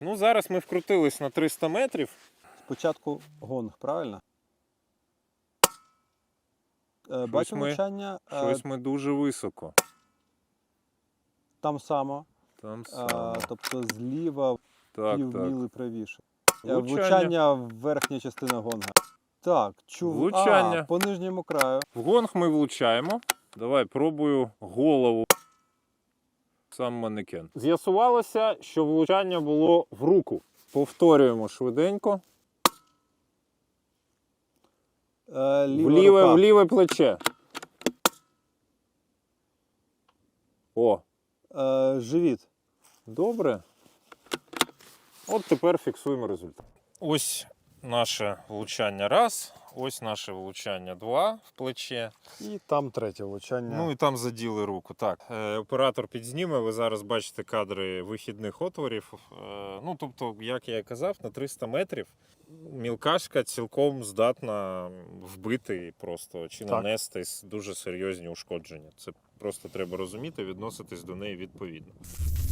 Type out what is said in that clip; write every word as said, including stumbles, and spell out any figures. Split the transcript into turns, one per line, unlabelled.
Ну, зараз ми вкрутились на триста метрів.
Спочатку гонг, правильно? Е, Бачу
ми-
влучання. е,
Щось ми дуже високо.
Там само.
Там
Е,
саме.
тобто зліва
Так,
пів
так.
міли правіше. Е,
Влучання.
Влучання в верхня частина гонга. Так, чув.
Влучання.
А, по нижньому краю.
В гонг ми влучаємо. Давай, пробую голову. Сам манекен. З'ясувалося, що влучання було в руку. Повторюємо швиденько.
Е, ліва
В ліве,
рука.
в ліве плече. О,
Е, живіт.
добре. От тепер фіксуємо результат. Ось наше влучання раз, ось наше влучання два в плече.
І там третє влучання.
Ну і там заділи руку. Так, е, оператор підзніме, ви зараз бачите кадри вихідних отворів. Е, ну, тобто, як я і казав, на триста метрів мілкашка цілком здатна вбити просто чи
Так.
нанести дуже серйозні ушкодження. Це просто треба розуміти, відноситись до неї відповідно.